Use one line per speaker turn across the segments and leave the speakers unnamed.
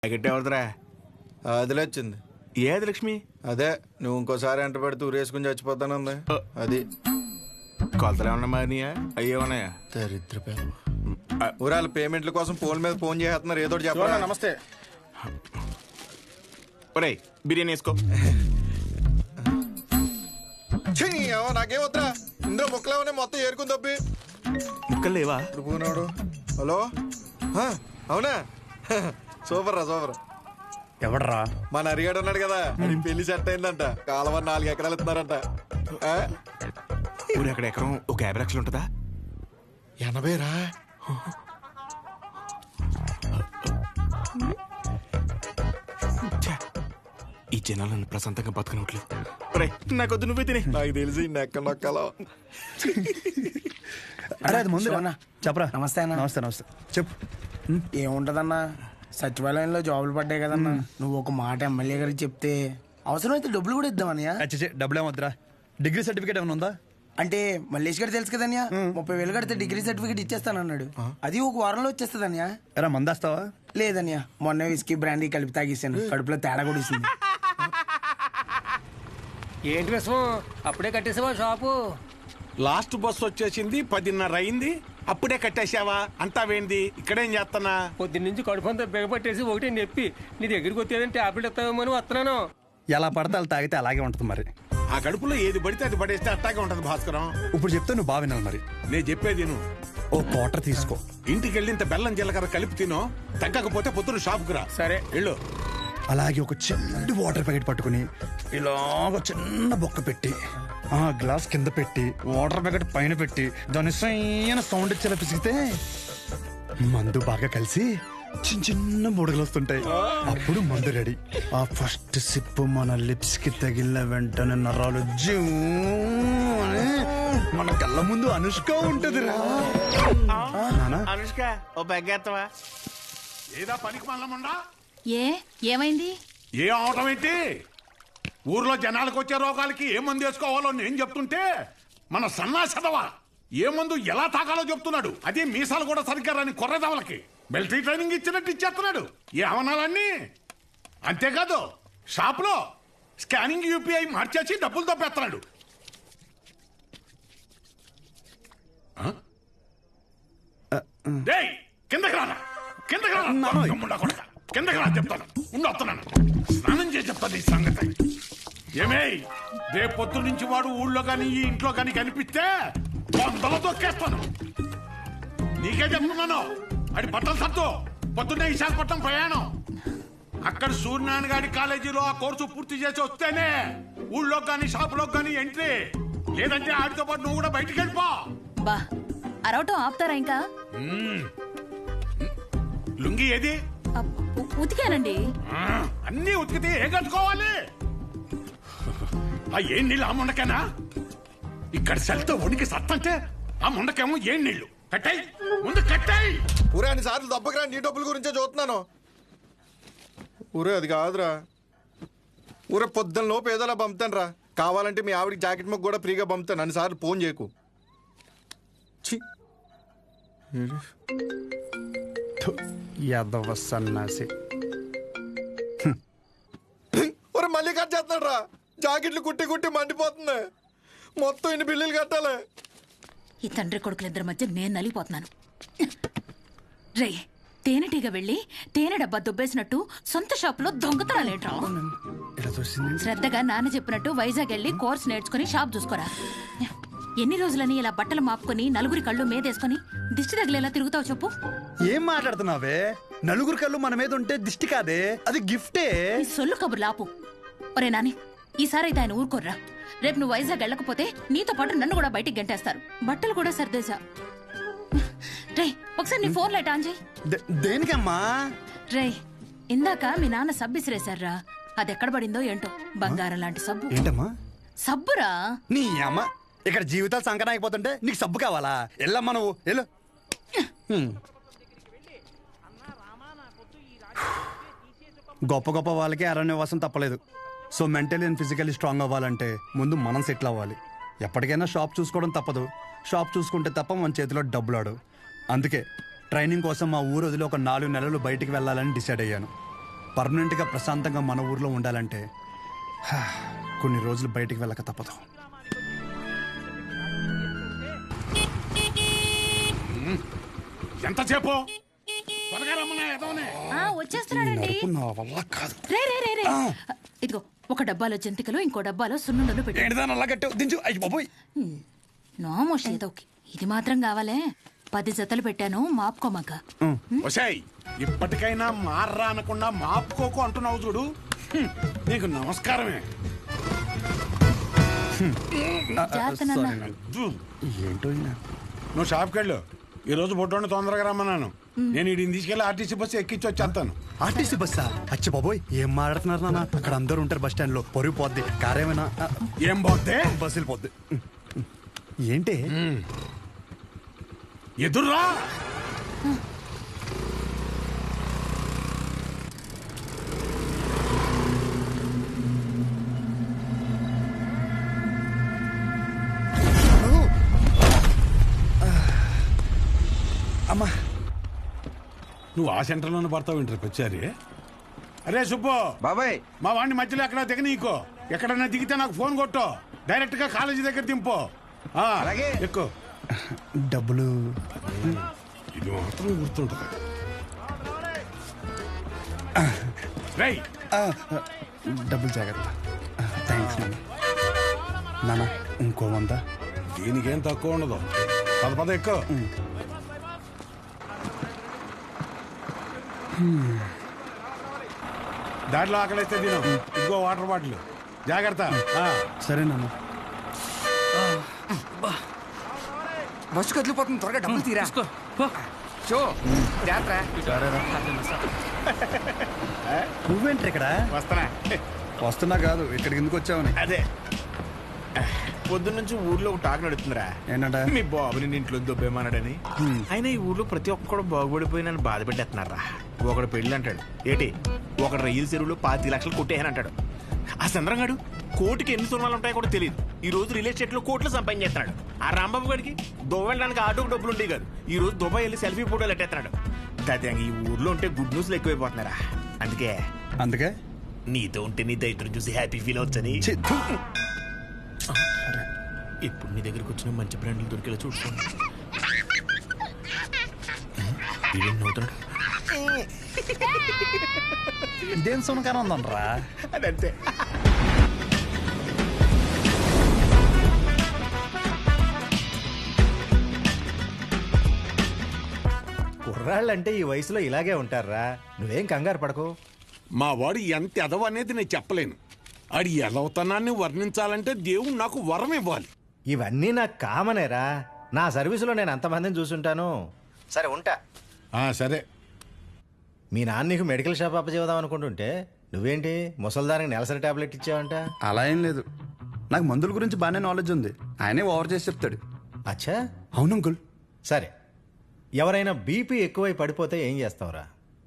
Packet ఎవరిదిరా?
అదిలే వచ్చింది.
ఏది లక్ష్మి?
అదే నువ్వు ఇంకోసారి ఎంట పెడితే ఊరేసుకుని చచ్చిపోతానుంది. అది
కొలతలు ఏమన్నా మారినాయా? అయ్యేమన్నాయా?
దరిద్ర ఊరాల పేమెంట్ల కోసం ఫోన్ మీద ఫోన్ చేస్తున్నారు. ఏదో చెప్పాలా?
నమస్తే.
ఒరేయ్ బిర్యానీ వేసుకో.
నాకేం వద్దా, ఇందులో ముక్కలేమన్నా మొత్తం ఏరుకుని తప్పి.
ముక్కలు లేవా?
ఇప్పుడు పోనాడు. హలో, అవునా? సూపర్ రా, సూపర్.
ఎవడరా?
మన అరిగాడు ఉన్నాడు కదా, అది పెళ్లి సెట్ అయిందంట. కాలువ 4 ఎకరాలు ఇస్తున్నారంట.
ఊరు అక్కడ ఎకరం ఒక 50 లక్షలు ఉంటుందా?
80 రా.
ఈ జనాలు నన్ను ప్రశాంతంగా బతకనట్లు. నాకొద్దు, నువ్వే తినే.
నాకు తెలిసి నెక్క నొక్కలో.
అరే అది ముందు చెప్పరా.
నమస్తే అన్న.
నమస్తే నమస్తే. చెప్పు.
ఏముంటదన్నా, సచివాలయంలో జాబులు పడ్డాయి కదన్నా. నువ్వు ఒక మాట ఎమ్మెల్యే గారికి చెప్తే అవసరమైతే డబ్బులు కూడా ఇద్దామన్నయ్య.
డబ్బులు ఏమొద్దురా. డిగ్రీ సర్టిఫికేట్ ఏమైనా ఉందా?
అంటే మల్లేష్ గారు తెలుసు కదన్యా, 30,000 కడితే డిగ్రీ సర్టిఫికేట్ ఇచ్చేస్తానన్నాడు. అది ఒక వారంలో వచ్చేస్తుందన్యా.
ఎరా మందేస్తావా?
లేదన్యా, మొన్న విస్కీ బ్రాండీ కలిపి తాగేసాను. కడుపులో తేడా కూడా ఇస్తుంది.
ఏంటి విషయం? అప్పుడే కట్టేసావా షాపు?
లాస్ట్ బస్ వచ్చేసింది, 10:30 అయింది. అప్పుడే కట్టేసావా? అంతా వేంది? ఇక్కడేం చేస్తానా?
పొద్దున్నుంచి కడుపంతా బిగపట్టేసి ఒకటే నొప్పి. నీ దగ్గరికి వచ్చేదంటే టాబ్లెట్ ఇస్తావేమో అని వస్తున్నాను.
ఎలా పడితే అలా తాగితే అలాగే ఉంటుంది మరి.
ఆ కడుపులో ఏది పడితే అది పడేస్తే అట్టాగే ఉంటది భాస్కరం.
ఇప్పుడు చెప్తే నువ్వు బాగా వినాలి మరి.
నేను చెప్పేది నువ్వు
ఓ క్వార్టర్ తీసుకో.
ఇంటికి వెళ్ళి ఇంత బెల్లం జీలకర్ర కలిపి తినో. తగ్గకపోతే పొద్దున షాపుకు రా.
సరే
వెళ్ళు.
అలాగే ఒక చిన్న వాటర్ ప్యాకెట్ పట్టుకుని ఇలాగ చిన్న బొక్క పెట్టి ఆ గ్లాస్ కింద పెట్టి వాటర్ ప్యాకెట్ పైన పెట్టి దాని సైన సౌండ్ ఇచ్చేలా పిసిగితే మందు బాగా కలిసి చిన్న చిన్న బుడగలు వస్తుంటాయి. అప్పుడు మందు రెడీ. ఆ ఫస్ట్ సిప్ మన లిప్స్ కి తగిలిన వెంటనే నరాలు జూ అని మన కళ్ళ ముందు అనుష్క ఉంటది రా.
అనుష్క ఓ బెగ్గేత్తవా?
ఏదా పనికి మల్లముండా?
ఏమైంది?
ఏ అవటం ఏంటి? ఊర్లో జనాలకు వచ్చే రోగాలకి ఏ మందు వేసుకోవాలో నేను చెప్తుంటే మన సన్నాసదవా ఏ మందు ఎలా తాగాలో చెప్తున్నాడు. అదే మీసాలు కూడా సరిగ్గా రాని కొర్రదవలకి మిలిటరీ ట్రైనింగ్ ఇచ్చినట్టు ఇచ్చేస్తున్నాడు. ఏ అవనాలన్నీ. అంతేకాదు షాప్లో స్కానింగ్ యూపీఐ మార్చేసి డబ్బులు తప్పేస్తున్నాడు. కిందకి రానా, కిందకి రానా, కిందకి రా చెప్తాను. వస్తున్నాను, స్నానం చేసి చెప్తాను ఈ సంగతి. ఏమే రేపు పొద్దు నుంచి వాడు ఊళ్ళో కానీ ఈ ఇంట్లో కానీ కనిపిస్తే వందలు తొక్కేస్తాను. నీకే చెప్తున్నాను. అది బట్టలు సత్తు. పొద్దున్నే విశాఖపట్నం ప్రయాణం. అక్కడ సూర్యనారాయణ గారి కాలేజీలో ఆ కోర్సు పూర్తి చేసి వస్తేనే ఊళ్ళో కానీ షాపులో కానీ ఎంట్రీ. లేదంటే ఆడితో పాటు నువ్వు కూడా బయటికి వెళ్ళిపో.
బా అరవటం ఆపుతారా ఇంకా?
లుంగి ఏది?
ఉతికానండి.
అన్నీ ఉతికితే ఏ కట్టుకోవాలి? ఆ ఏం నీళ్ళు ఆ ముండకేనా? ఇక్కడ సెల్తో వణికి సత్తంటే ఆ ముండకేమో ఏం నీళ్లు. కట్టాయి ముందు కట్టాయి.
ఊరే అన్ని సార్లు దెబ్బకిరా, నీ డబ్బుల గురించే చూస్తున్నాను. ఊరే అది కాదురా. ఊరే పొద్దున్న లోపు ఏదోలా పంపుతాను రా. కావాలంటే మీ ఆవిడికి జాకెట్ మొక్క కూడా ఫ్రీగా పంపుతాను. అన్నిసార్లు ఫోన్ చేయకు.
యాదవ సన్నాసి.
ఊరే మళ్ళీ కట్ చేస్తున్నాడు రా. జాకెట్లు కుట్టి కుట్టి మండిపోతుంది. మొత్తం ఇన్ని బిల్లులు కట్టాలి.
ఈ తండ్రి కొడుకులిద్దరి మధ్య నేను నలిగిపోతున్నాను. రే తేనెటీగ వెళ్ళి తేనె డబ్బా దుబ్బేసినట్టు సొంత షాపులో దొంగతనాలేట్రా? శ్రద్ధగా నాన్న చెప్పినట్టు వైజాగ్ వెళ్ళి కోర్స్ నేర్చుకుని షాప్ చూసుకోరా. ఎన్ని రోజులని ఇలా బట్టలు మాపుకొని నలుగురి కళ్ళు మీదేసుకుని దిష్టి తగిలేలా తిరుగుతావు చెప్పు?
ఏం మాట్లాడుతున్నావే? నలుగురు కళ్ళు మన మీద ఉంటే దిష్టి కాదే, అది గిఫ్టే.
ఈ సొల్లు కబుర్లు ఆపు. ఒరే నాని, ఈసారైతే ఆయన ఊరుకోర్రా. రేపు నువ్వు వైజాగ్ వెళ్ళకపోతే నీతో పాటు నన్ను కూడా బయటికి గంటేస్తారు. బట్టలు కూడా సర్దేశా. రే ఒకసారి నీ ఫోన్ లైట్ ఆన్ చేయి.
దేనికమ్మా?
రే ఇందాక మీ నాన్న సబ్బు ఇసిరేశారా, అది ఎక్కడ పడిందో ఏంటో. బంగారం లాంటి సబ్బు.
ఏంటమ్మా?
సబ్బురా.
నీ అమ్మ ఇక్కడ జీవితాలు సంకటం అయిపోతుంటే నీకు సబ్బు కావాలా? ఎల్లమ్మా నువ్వు వెళ్ళు. గొప్ప గొప్ప వాళ్ళకి అరణ్యవాసం తప్పలేదు. So mentally and physically strong అవ్వాలంటే ముందు మనం సెటిల్ అవ్వాలి. ఎప్పటికైనా షాప్ చూసుకోవడం తప్పదు. షాప్ చూసుకుంటే తప్ప మన చేతిలో డబ్బులు ఆడు. అందుకే ట్రైనింగ్ కోసం మా ఊరు వదిలి ఒక 4 నెలలు బయటికి వెళ్ళాలని డిసైడ్ అయ్యాను. పర్మనెంట్గా ప్రశాంతంగా మన ఊర్లో ఉండాలంటే కొన్ని రోజులు బయటికి వెళ్ళక తప్పదు.
ఎంతసేపు త్వరగా రమ్మన్నా ఎదవనే.
వచ్చేస్తున్నాడండి.
నా వల్ల కాదు.
రే రే రే రే ఇదిగో ఒక డబ్బాలో జంతికలు ఇంకో డబ్బాలో సున్నుండలు పెట్టు.
ఏంటిదాని అలా కట్టావు? దించు. అయ్యి బాబోయ్.
నోమోష్ ఏదోకి ఇది మాత్రం కావాలే. 10 జతలు పెట్టాను మాపుకోమక్క.
ఒసేయ్ ఇప్పటికైనా మార్రా అనకుండా మాపుకోకు అంటున్నావు చూడు. నీకు నమస్కారమే.
జాగ్రత్త నాన్న.
ఏంటో ఈయన.
నువ్వు షాప్కి వెళ్ళు. ఈ రోజు బొడ్డోని తొందరగా రమ్మన్నాను. నేను వీడిని తీసుకెళ్ళి ఆర్టీసీ బస్సు ఎక్కించి వచ్చేస్తాను.
ఆర్టీసీ బస్సా? అచ్చి బాబోయ్, ఏం మాట్లాడుతున్నారు నాన్న? అక్కడ అందరూ ఉంటారు బస్ స్టాండ్ లో. పొరుగు పోద్ది. కారేమైనా
ఏం పోతే
బస్సు వెళ్ళిపోద్ది. ఏంటి
ఎదుర్రా.
అమ్మా,
నువ్వు ఆ సెంటర్లోనే పడతావు ఇంటర్ వచ్చారి. అరే సుబ్బు
బాబాయ్,
మా వాడిని మధ్యలో ఎక్కడ దిగనీకో. ఎక్కడన్నా దిగితే నాకు ఫోన్ కొట్టు. డైరెక్ట్ గా కాలేజీ దగ్గర దింపు.
అలాగే.
ఎక్కువ
డబ్బులు
ఇది మాత్రం గుర్తుంటుంది. రై
డబ్బులు జాగ్రత్త. థ్యాంక్స్ నాన్న. నాన్న ఇంకో 100.
దీనికేం తక్కువ ఉండదు. పద ఎక్కువ. దాంట్లో ఆకలిస్తే తిను. ఇంకో వాటర్ బాటిల్ జాగ్రత్త.
సరే నాన్న.
బస్సు కదిలిపోతుంది, త్వరగా డబ్బులు తీరా. షో జాగ్రత్త.
నువ్వేంటి ఇక్కడ?
వస్తానా?
వస్తున్నా కాదు, ఇక్కడికి ఎందుకు వచ్చావని.
అదే పొద్దున్న నుంచి ఊర్లో ఒక టాక్ నడుతుందిరా.
ఏంటంట?
మీ బాబుని ఇంట్లో దొబ్బేమన్నాడని. అయినా ఈ ఊర్లో ప్రతి ఒక్కడు బాగుపడిపోయి నన్ను బాధ పెట్టేస్తున్నారా. ఒకడు పెళ్ళి అంటాడు ఏటి, ఒకడు రైలు చెరువులో 25 లక్షలు కొట్టేయని అంటాడు. ఆ చంద్రంగాడు కోటికి ఎన్ని సున్నాలు ఉంటాయో కూడా తెలియదు. ఈ రోజు రియల్ ఎస్టేట్ లో కోట్లు సంపాదించేస్తున్నాడు. ఆ రాంబాబు గడికి దుబాయ్ వెళ్ళడానికి ఆటోకి డబ్బులు ఉంటాయి కాదు. ఈ రోజు దుబాయ్ వెళ్ళి సెల్ఫీ ఫోటోలు ఎట్టేస్తున్నాడు. దాదాపు ఈ ఊర్లో ఉంటే గుడ్ న్యూస్లు ఎక్కువైపోతున్నారా. అందుకే నీతో ఉంటే నీ దైత్రం చూసి హ్యాపీ ఫీల్ అవచ్చని ఇప్పుడు నీ దగ్గరకు వచ్చిన మంచి బ్రాండ్లు దొరికేలా చూసుకోండి.
ఇదేం సునకాన ఉందనరా?
అదంతే.
కుర్రాళ్ళంటే ఈ వయసులో ఇలాగే ఉంటారా. నువ్వేం కంగారు పడకు.
మా వాడు ఎంత ఎదవ అనేది నేను చెప్పలేను. ఆడి ఎదవతనాన్ని వర్ణించాలంటే దేవుడు నాకు వరం ఇవ్వాలి.
ఇవన్నీ నాకు కామనేరా. నా సర్వీసులో నేను అంతమందిని చూసుంటాను. సరే ఉంటా.
సరే.
మీ నాన్న నీకు మెడికల్ షాప్ అప్పచేద్దాం అనుకుంటుంటే నువ్వేంటి ముసల్దానికి నెలసరి టాబ్లెట్ ఇచ్చావంట?
అలా ఏం లేదు, నాకు మందుల గురించి బాగానే నాలెడ్జ్ ఉంది. ఆయనే ఓవర్ చేసి చెప్తాడు.
అచ్చా,
అవును అంకుల్.
సరే, ఎవరైనా బీపీ ఎక్కువై పడిపోతే ఏం చేస్తావురా?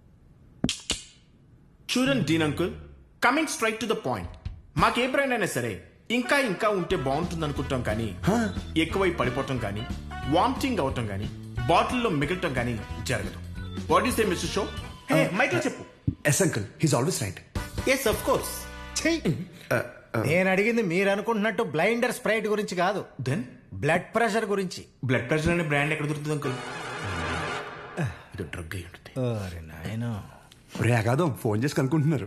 చూడండి dean uncle, coming straight to the point. మాకే బ్రాండ్ అయినా సరే ఇంకా ఇంకా ఉంటే బాగుంటుంది అనుకుంటాం, కానీ ఎక్కువై పడిపోవటం కానీ వామిటింగ్ అవటం కానీ బాటిల్లో మిగలటం కానీ జరగదు. What is the mister show? Hey మైక్లో చెప్పు.
Yes uncle, he's always right.
Yes of course.
నేను అడిగింది మీరు అనుకుంటున్నట్టు బ్లైండర్ స్ప్రైట్ గురించి కాదు,
దెన్
బ్లడ్ ప్రెషర్ గురించి.
బ్లడ్ ప్రెషర్ అనే బ్రాండ్ ఎక్కడ దొరుకుతుంది అంకుల్? ఇది డ్రగ్ అయి ఉంటుంది.
అరే నాయనా,
రే అగాదం ఫోన్ చేసి కనుక్కుంటున్నారు.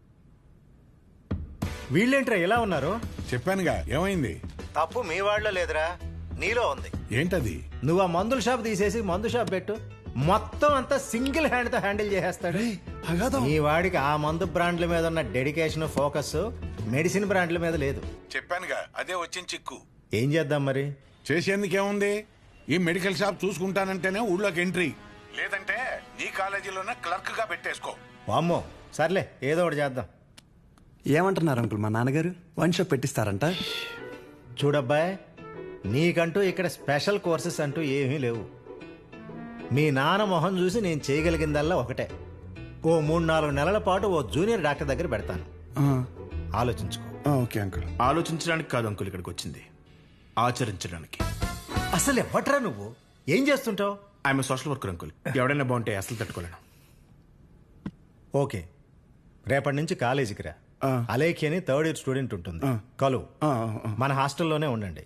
వీళ్ళేంట్రా ఇలా ఉన్నారు?
చెప్పానుగా ఏమైంది.
తప్పు మీ వాళ్ళలో లేదురా, నీలో ఉంది.
ఏంటది?
నువ్వు ఆ మందుల షాప్ తీసేసి మందు షాప్ పెట్టు, మొత్తం అంతా సింగిల్ హ్యాండ్ తో హ్యాండిల్ చేసేస్తాడు. ఈ వాడికి ఆ మందు బ్రాండ్ల మీద ఉన్న డెడికేషన్, ఫోకస్ మెడిసిన్ బ్రాండ్ల మీద లేదు.
చెప్పానుగా అదే వచ్చిన చిక్కు.
ఏం చేద్దాం మరి?
చేసేందుకేముంది, ఈ మెడికల్ షాప్ చూసుకుంటానంటేనే ఊళ్ళోకి ఎంట్రీ, లేదంటే నీ కాలేజీలోనే క్లర్క్ గా పెట్టేసుకో.
వామ్మో, సర్లే ఏదో ఒకటి చేద్దాం.
ఏమంటున్నారు అంకుల్? మా నాన్నగారు వన్ షాప్ పెట్టిస్తారంట.
చూడబ్బాయ్, నీకంటూ ఇక్కడ స్పెషల్ కోర్సెస్ అంటూ ఏమీ లేవు. మీ నాన్న మొహం చూసి నేను చేయగలిగిందల్లా ఒకటే, ఓ 3-4 నెలల పాటు ఓ జూనియర్ డాక్టర్ దగ్గర పెడతాను. ఆలోచించుకో.
Okay uncle.
ఆలోచించడానికి కాదు అంకుల్ ఇక్కడికి వచ్చింది, ఆచరించడానికి.
అసలు ఎవ్వట్రా నువ్వు? ఏం చేస్తుంటావు?
I'm social worker uncle. ఎవడైనా బాగుంటే అసలు తట్టుకోలేను.
ఓకే, రేపటి నుంచి కాలేజీకి రా. అలేఖి అని 3rd ఇయర్ స్టూడెంట్ ఉంటుంది, కలువు. మన హాస్టల్లోనే ఉండండి.